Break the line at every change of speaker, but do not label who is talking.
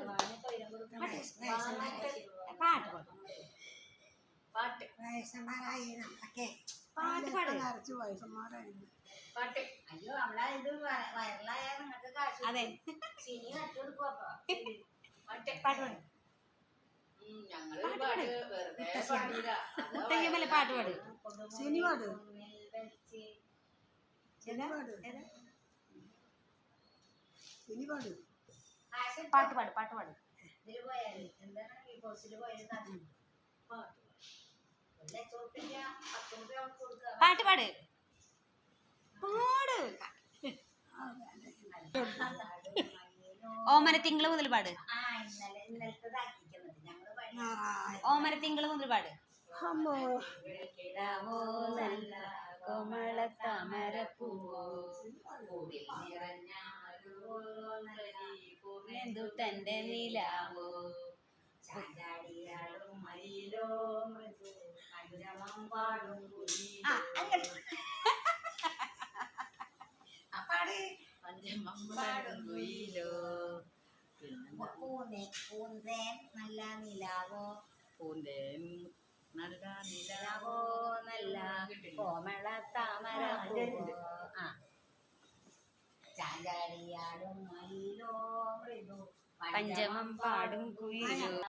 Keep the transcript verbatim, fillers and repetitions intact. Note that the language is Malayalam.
പാട്ട് പാട്ട് വയസ്സന്മാരായി നമ്മളൊക്കെ പാട്ട് പാട് നിറച്ച് വയസ്സന്മാരായിരുന്നു പാട്ട്. അയ്യോ നമ്മളെ ഇത് വയറിലായ നിങ്ങൾക്ക് കാശ് അതെ സിനി നട്ടു കൊടുക്കും. അപ്പൊ പാട്ട് പാട്ട് പാട് മുത്തയ്യമ്മല്ലേ പാട്ട് പാട് സിനി പാട് പാട്ട് പാട് പാട്ട് പാട് ഇതില് പോയാല് എന്താണ് ഈ കോഴ്സിൽ പോയാലും പാട്ട് പാട് പാട് ഓമന തിങ്കള് മുതൽ പാട് ഓമന തിങ്കള് മുതൽ പാട് കോമള താമര പൂവോ പൂവെന്തു തന്റെ നിലാവോ ചാഞ്ചാടിയാടും മയിലോ മൃദു പഞ്ചമം പാടും പാട് പഞ്ചമം പാടും കുയിലോ പൂന്തേൻ പൂന്തേൻ നല്ല നിലാവോ പൂന്തേൻ നല്ല നിലാവോ നല്ല കോമള താമര ആ ചാഞ്ചാടിയാടും മയിലോ മൃദു പഞ്ചമം പാടും കുയിലോ